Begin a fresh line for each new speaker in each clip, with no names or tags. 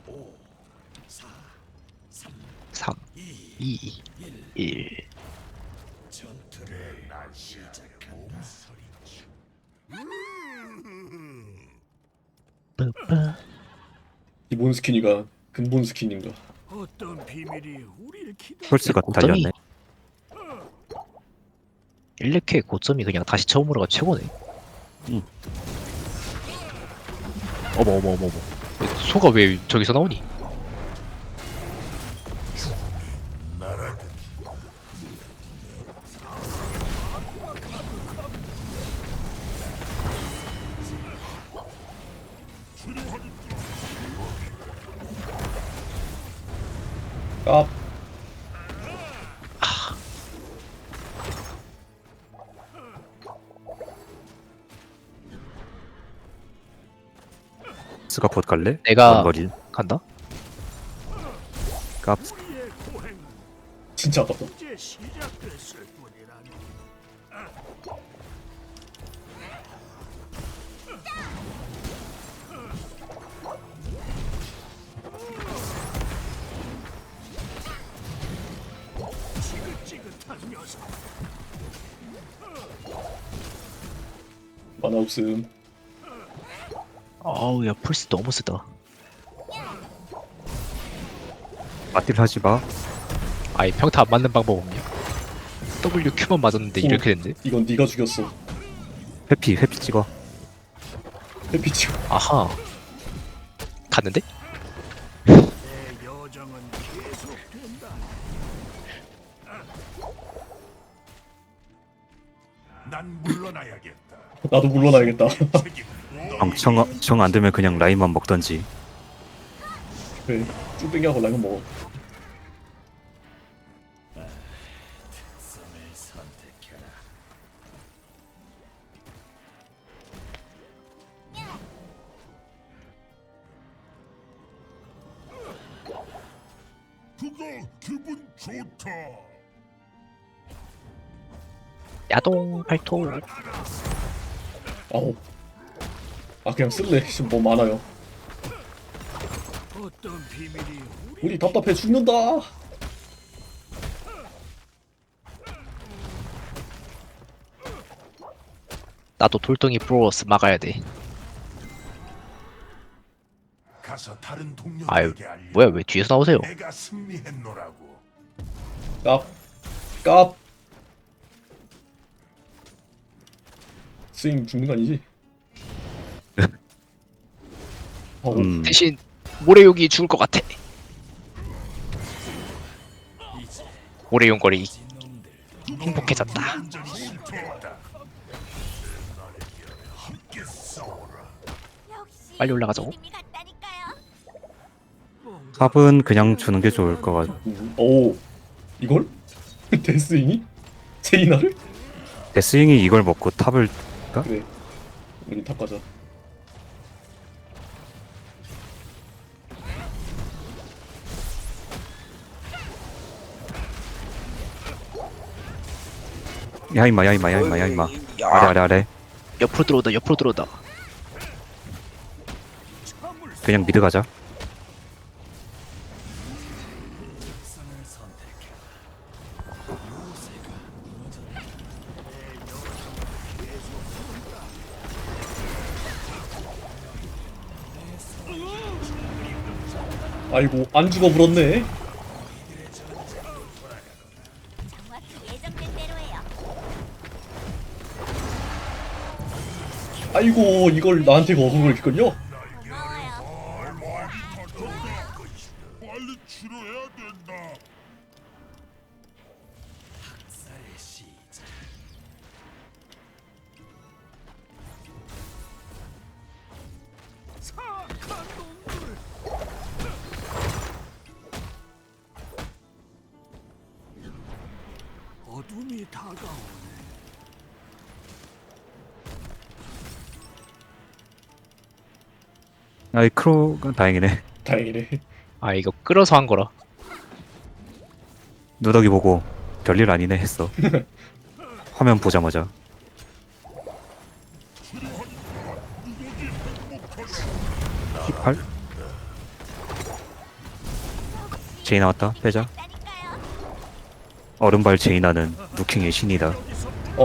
3, 2, 1. 빠빠.
기본 스킨이가 근본 스킨인가?
어떤 비밀이 우리를 기다.
펄스가
고점이
달렸네.
1렉의 고점이 그냥 다시 처음으로가 최고네.
응.
어머 어머 어머 어머. 소가 왜 저기서 나오니?
깝.
펄스가 곧 갈래?
내가-
원거리.
간다?
깝.
우리의 고행
진짜 아깝다.
이제 시작됐을 뿐이라니. 지긋지긋한 녀석.
만화 없음.
아우 야 펄스 너무 쓰다.
맞딜 하지 마.
아이 평타 안 맞는 방법 없냐? WQ만 맞았는데 이렇게 됐네?
이건 네가 죽였어.
회피 찍어.
해피치.
아하. 갔는데?
내 여정은 계속된다. 난 물러나야겠다.
나도 물러나야겠다.
정 안 되면 그냥 라인만 먹던지.
그래. 쭈빼기하고 라면 먹어.
그거 기분 좋다.
야동 발톱.
아우. 아 그냥 쓸래. 지금 뭐 많아요.
어떤 비밀이
우리 답답해 죽는다.
나도 돌덩이 브로스 막아야 돼.
가서 다른
아유
동료들에게 알려.
뭐야 왜 뒤에서 나오세요?
내가 승리했노라고.
깝. 깝. 스윙 죽는 거 아니지? 어,
대신 모래용이 죽을 것 같아. 모래용거리 행복해졌다.
완전히 실패했다. 함께 싸워라.
빨리 올라가자고.
탑은 그냥 주는 게 좋을 것 같아.
오. 이걸? 데스윙이? 제이나를?
데스윙이 이걸 먹고 탑을
그래. 우리 탑 가자.
야이마. 아래.
옆으로 들어오다 옆으로 들어오다.
그냥 미드 가자.
아이고 안 죽어 물었네. 아이고 이걸 나한테 거둔 걸걸요?
빨리 치료해야 된다. 사악한 놈들. 어둠이 다가오네.
아이 크로가 다행이네.
다행이네.
아 이거 끌어서 한 거라.
누더기 보고 별일 아니네 했어. 화면 보자마자. 힙할? 제이 나왔다. 빼자. 얼음발 제이나는 누킹의 신이다.
어?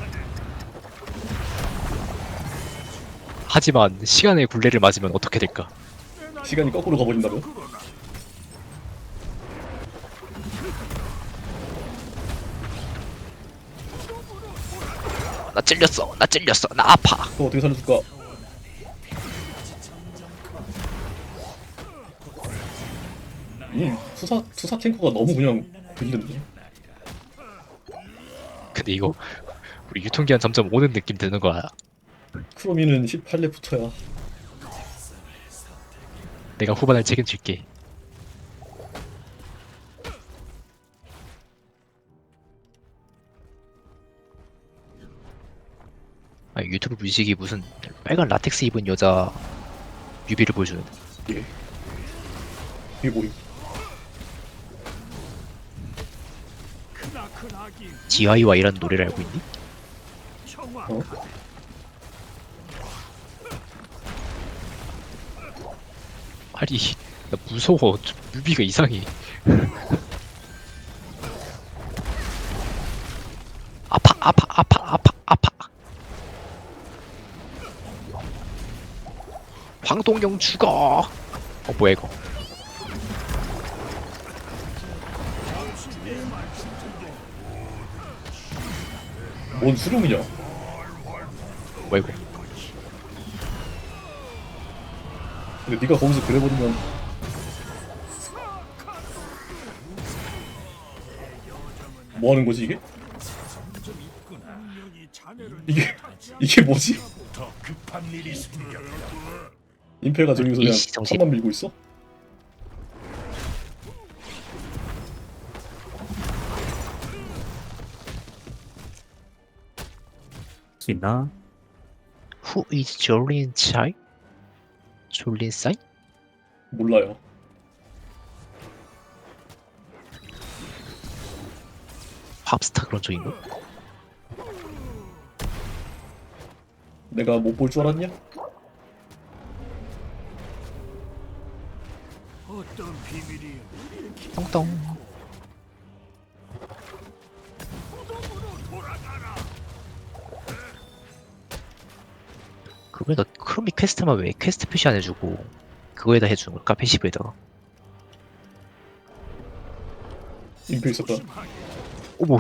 하지만 시간의 굴레를 맞으면 어떻게 될까?
시간이 거꾸로 가버린다면?
나 찔렸어. 나 찔렸어. 나 아파.
그거 어떻게 살려줄까? 투사 탱커가 너무 그냥 들리는데.
근데 이거 우리 유통기한 점점 오는 느낌 드는 거야.
크로미는 18렙부터야.
내가 후반을 책임질게. 아, 유튜브 무식이 무슨 빨간 라텍스 입은 여자 뮤비를 보여주는데.
예. 이게 뭐임?
크나크나기
GIY라는 노래를 알고 있니?
청아
어?
아니, 나 무서워. 좀 뮤비가 이상해. 아파, 아파, 아파, 아파, 아파. 황동영 죽어. 뭐야 이거?
뭔 수룡이냐?
뭐야 이거?
근데 네가 거기서 그래버리면 뭐 하는 거지 이게?
분명히 자네를
이게 뭐지?
더 급한 일이 생겼다.
임페가 저기서 그냥
일시정지.
탑만 밀고 있어?
수 있나?
Who is Jolin Chai? 졸린 사이?
몰라요.
팝스타 그런 쪽인가?
내가 못 볼 줄 알았냐?
어떤 비밀이 우리를
똥똥. 그거에다 크로미 퀘스트만 왜 퀘스트 표시 안 해주고 그거에다 해주는 걸까? 패시브에다가.
임페 있었다.
어머,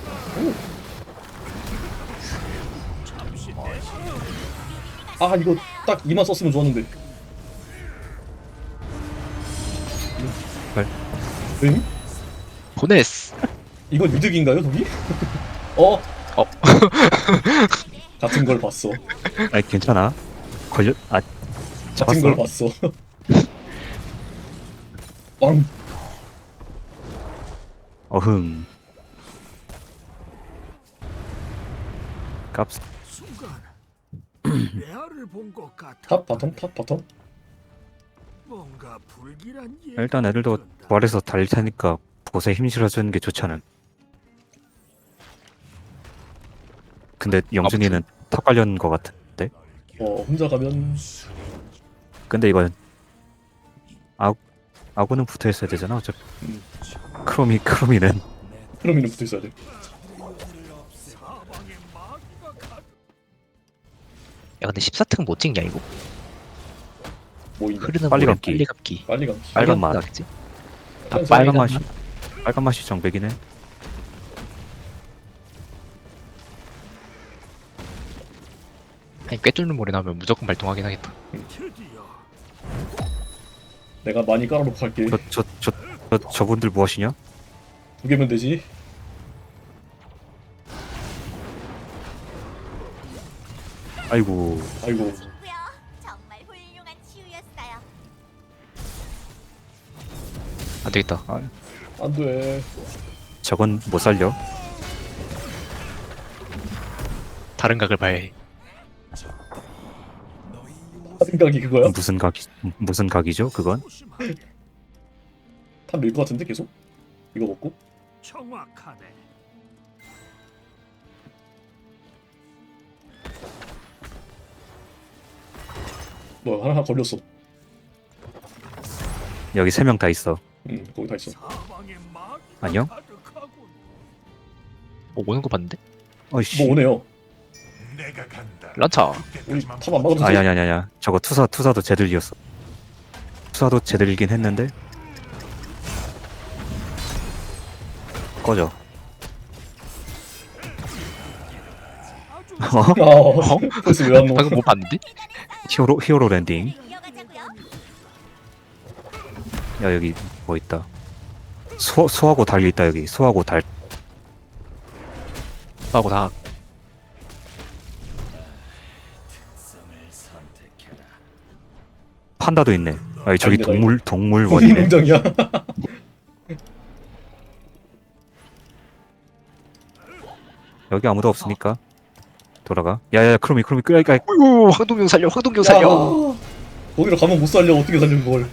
아 이거 딱 이만 썼으면 좋았는데.
헐.
응?
보냈어.
이건 이득인가요, 동이? 어?
어.
같은 걸 봤어.
아니 괜찮아. 걸려. 아
같은 걸
잡았어.
봤어. 빵.
어흥. 깝스.
순간 레아를 본 것 같아.
탑 바텀 탑 바텀.
뭔가 불길한
일단 애들도 부활해서 달릴 테니까 보세 힘 실어주는 게 좋잖아. 근데 영준이는 탑 관련 거 같은데.
혼자 가면
근데 이건 아구는 붙어 있어야 되잖아. 어차피 크로미는
크로미는 붙어 있어야 돼.
사방에 마귀가 가.
야 근데 14특 못 찍냐 이거?
뭐 있냐?
흐르는
빨리
물에
감기.
빨리 감기.
빨리 가.
빨간 맛.
나겠지? 다
빨간
빨간
맛이
맛.
빨간 맛이 정백이네.
아니 꿰뚫는 물에 나오면 무조건 발동하긴 하겠다.
드디어
내가 많이 깔아놓고 갈게.
저분들 무엇이냐?
2개면 되지.
아이고
아이고.
친구요. 정말 훌륭한 치유였어요.
안 되겠다.
안 돼.
저건 못 살려.
다른 각을 봐야 해.
생각이 그거야?
무슨 각이죠? 그건
조심하게.
탑 밀 것 같은데 계속? 이거 먹고?
정확하네.
뭐 하나 걸렸어.
여기 3명 다 있어.
거기 다 있어.
사방에 마귀가
안녕?
가득하군.
오는 거 봤는데?
어이씨.
뭐 오네요.
내가 간다.
란차.
우리 탑 안 막아도
아니
되지?
아니 아니 아니. 저거 투사도 제들이었어. 투사도 제들이긴 했는데. 꺼져. 어?
그래서 왜 안 먹어?
방금 못 봤는데?
히어로 랜딩.
이어가자고요.
야 여기 뭐 있다. 소하고 달이 있다 여기. 소하고 달.
하고 다
판다도 있네. 아니 저기
아닙니다.
동물원이네.
농장이야.
여기 아무도 없으니까 돌아가. 야야 크로미 끄야.
어이구 황동경 살려 황동경 살려.
야, 거기로 가면 못 살려. 어떻게 살려 그걸?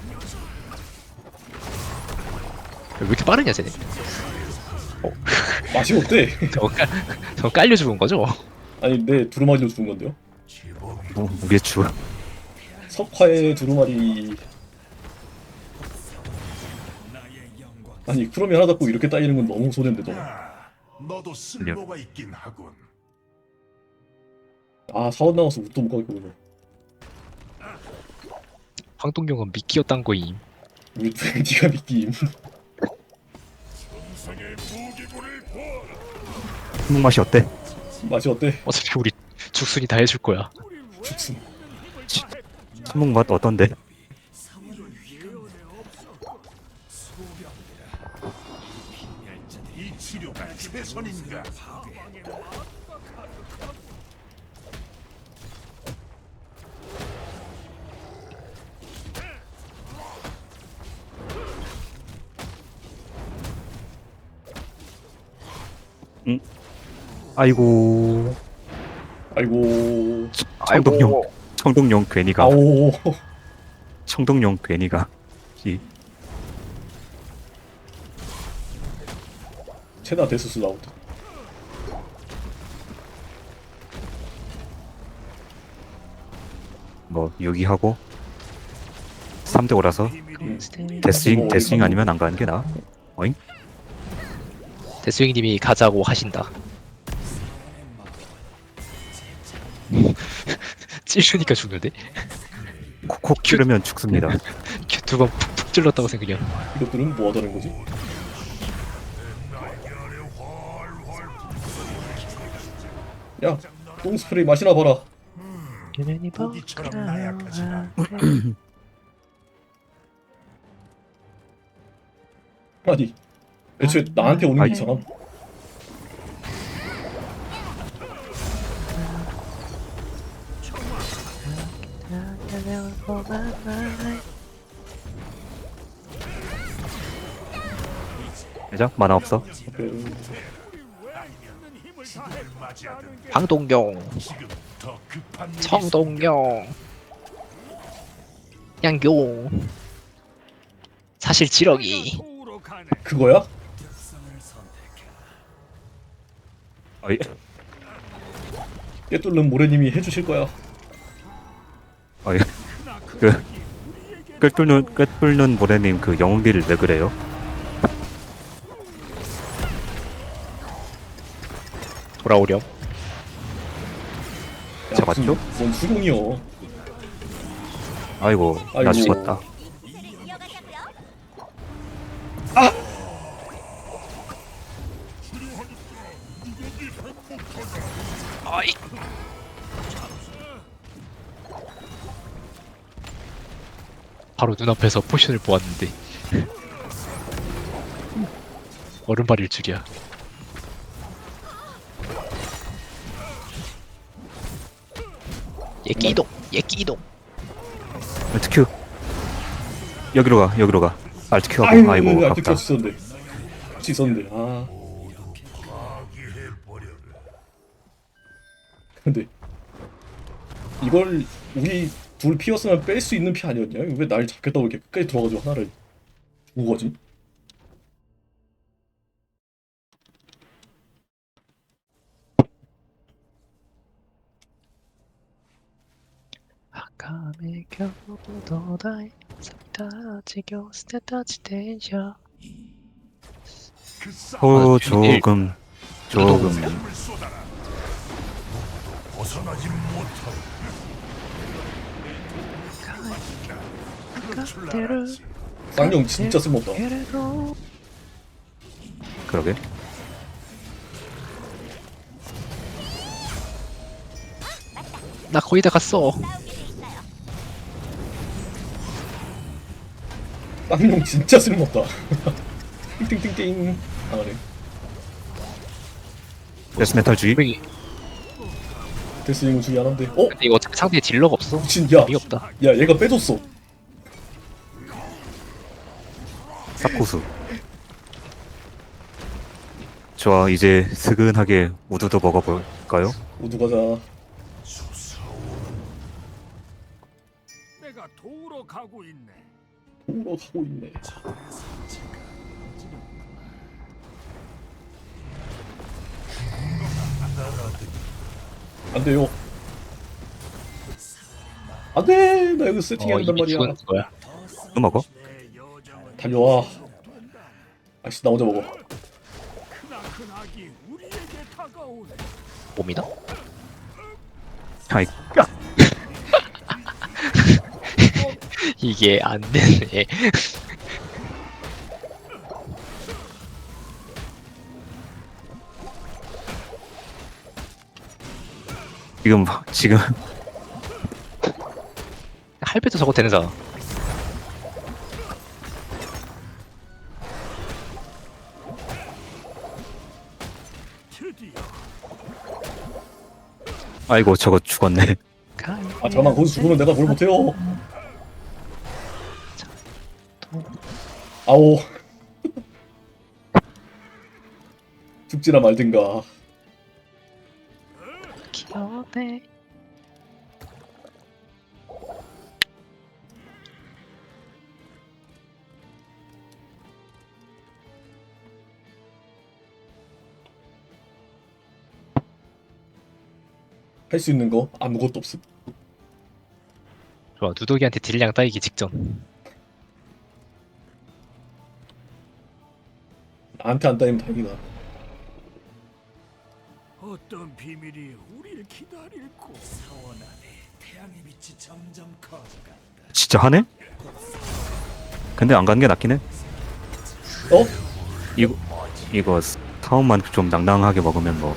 왜 이렇게 빠르냐 쟤네.
맛이 어때?
저거 깔려 죽은 거죠?
아니 내 두루마리로 죽은 건데요.
무게추.
석화의 두루마리. 아니 크롬이 하나 잡고 이렇게 따이는 건 너무 손해인데 너.
너도 쓸모가 있긴 하군.
아 사원 나와서 옷도 못 가겠구나.
황동경은 미끼였단 거임.
우리 네가 믿기임.
한국 맛이 어때?
맛이 어때?
어차피 우리 죽순이 다 해줄 거야.
죽순.
한국 맛 어떤데?
이 치료가 최선인가?
아이고
아이고.
청동용 괜히 가.
아오.
청동용 괜히 가.
체나 데스스 나오다.
뭐 여기 하고 3대 5라서 데스윙 아니면 안 가는 게 나아. 어잉?
데스윙님이 가자고 하신다. 찌르니까 죽는데?
콕콕 찌르면 죽습니다.
두 번 푹푹 찔렀다고 생각이야.
이것들은 뭐 하자는 거지? 야, 똥 스프레이 마시나 봐라.
고기처럼 나약하지 않아.
아니, 애초에 나한테 오는 게
아이.
이상함.
대장 만화 없어.
그,
황동경,
지금 더 급한 일이
청동경, 양용. 사실 지렁이.
도우러 가네.
그거야?
어이.
깨뚫는 모래님이 해주실 거야.
어이. 그 꿰뚫는 모래님 그 영웅비를 왜 그래요?
돌아오렴.
야,
잡았죠?
뭔 수공이여.
아이고 나
아이고.
죽었다.
이어가자고요.
아이. 바로 눈앞에서 포션을 보았는데 얼음발일 줄이야. 예끼 이동.
알트큐 여기로 가. 알트큐 하고
아이고,
아이고
아직
아깝다.
있었는데. 할수 있었는데. 아, 근데 이걸 우리 둘 피었으면 뺄 수 있는 피 아니었냐? 왜 날 잡겠다고 이렇게 끝까지 들어가지고 하나를 주고 가지?
아까의 겨우도 다이
호 조금
벗어나지 못하고
쌍용 진짜 쓸모없다.
그러게.
나 거의 다 갔어.
쌍용 진짜 쓸모없다. 띵띵띵띵. 아 그래.
데스메탈 주의.
분명히
데스윙은 중이 하나인데.
근데 이거 어차피 상대에 딜러가 없어.
미친 야.
의미 없다.
야 얘가 빼줬어.
쌉고수. 좋아, 이제 스근하게 우두도 먹어볼까요?
우두 가자.
내가 도우러 가고 있네.
도우러 가고 있네. 안 돼요. 안 돼. 나 여기 세팅해야 된단
이미
말이야.
죽은 거야.
또 먹어?
내 여정은
달려와. 아씨 나 먼저 먹어.
크나큰 악이 우리에게 다가오네.
봅니다.
아이,
이게 안 되네.
지금
할배도 저거 되는잖아.
드디어
아이고 저거 죽었네.
아 잠깐만 거기서 죽으면 내가 뭘 못해요. 아오. 죽지나 말든가.
귀여네.
할 수 있는 거 아무것도 없음.
좋아, 누더기한테 딜량 따이기 직전.
나한테 안 따이면 다행이다.
어떤 비밀이 우리를 기다릴고 사원 안에 태양의 빛이 점점 커져간다.
진짜 하네? 근데 안 가는 게 낫긴 해.
어?
이거 타운만 좀 낭낭하게 먹으면 뭐.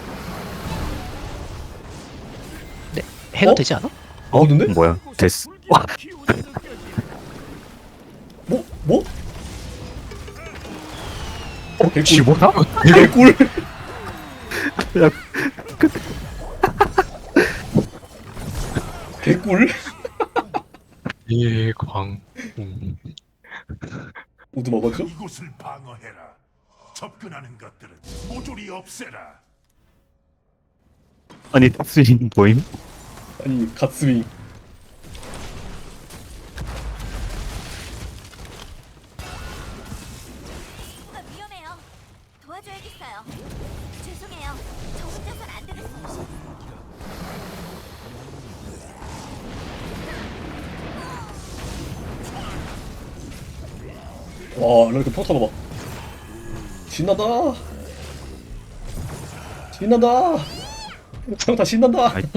해도
어?
되지 않아?
먹었는데?
뭐야? 데스. 와,
기운이 느껴진다.
뭐? 뭐? 개꿀.
쥐보다?
개꿀.
야,
개꿀.
예광.
우드 먹어줘?
이곳을 방어해라. 접근하는 것들은 모조리 없애라.
아니 데스인 보임?
아니 갓스윙.
뭔가 위험해요. 도와줘야겠어요. 죄송해요. 저 혼자선 안 되겠어요.
와 이렇게 평타 봐봐. 신난다. 신난다. 평타 신난다.
아이.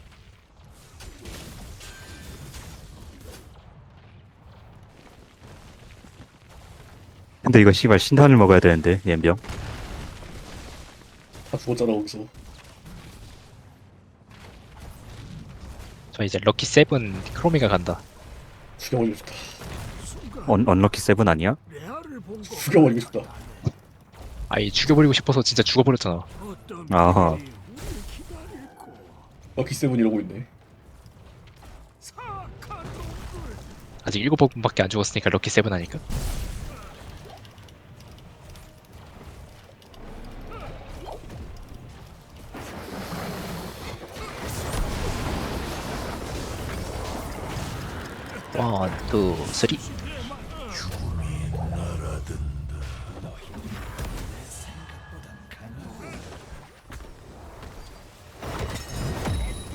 근데 이거 씨발 신탄을 먹어야 되는데 옌병.
다 죽었잖아 거기서.
저 이제 럭키 세븐 크로미가 간다.
죽여버리고 싶다.
언럭키 세븐 아니야?
레아를 본 것.
죽여버리고 싶다.
아이 죽여버리고 싶어서 진짜 죽어버렸잖아.
어떤
아하.
비밀이 우리를 기다릴고.
럭키 세븐 이러고 있네.
사악한 놈들.
아직 7번밖에 안 죽었으니까 럭키 세븐 하니까. 원, 투, 쓰리.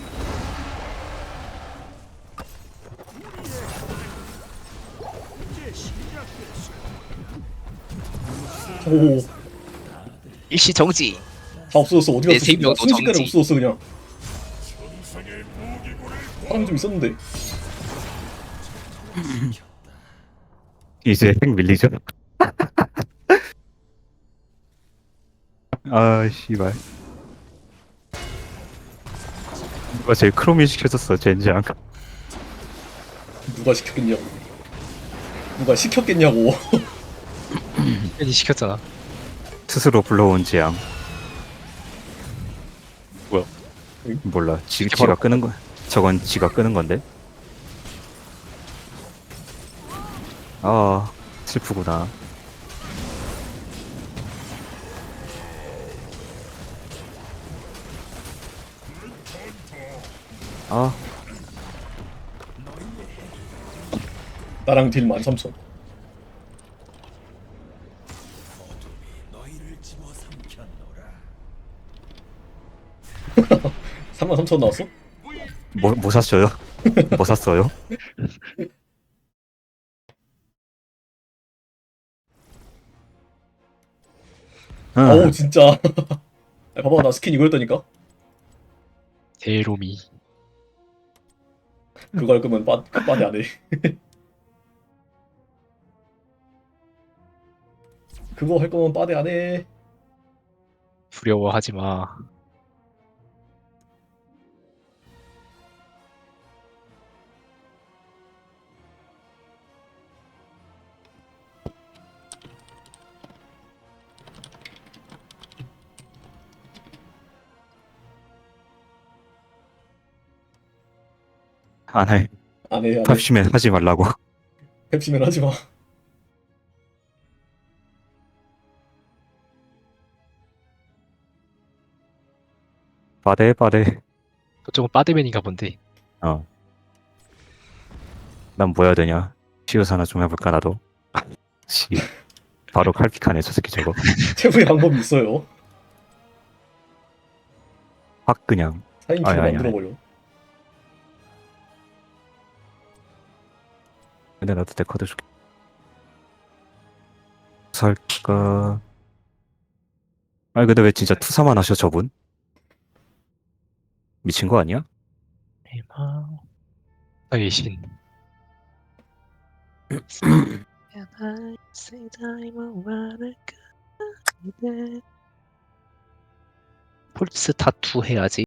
이제
오,
일시 정지.
다 없어졌어. 어디
내
갔어?
생명도
순식간에
정지.
없어졌어 그냥. 사람 좀 있었는데.
이제 핵 밀리죠? 아 씨발. 누가 제일 크롬이 시켜줬어 젠장.
누가 시켰겠냐고. 누가 시켰겠냐고.
괜히 시켰잖아.
스스로 불러온 재앙.
뭐야?
몰라.
이렇게
지가
바로
끄는 거. 저건 지가 끄는 건데. 아 슬프구나. 아
나랑 딜 13,000.
너희를 집어삼켰노라.
33,000 나왔어?
뭐 샀어요? 뭐 샀어요?
어우
응.
진짜. 야, 봐봐 나 스킨 이거였다니까.
대로미.
그거 할 거면 빠데 안 해. 그거 할 거면 빠데 안 해.
두려워하지 마.
안 해.
안 해, 안 해.
팝시맨 하지 말라고.
펩시면 하지 마.
빠데.
저쪽은 빠데맨인가 본데.
어. 난 뭐 해야 되냐? 시우스 하나 좀 해볼까 나도. 씨. 바로 칼픽하네 저 새끼 저거.
최후의 방법이 있어요.
확 그냥.
4인큐로
아니, 아니,
만들어버려.
근데 나도 내 카드 줄게. 살까? 아니 근데 왜 진짜 투사만 하셔 저분? 미친 거 아니야?
대망. 나의 신. 폴스 타투 해야지.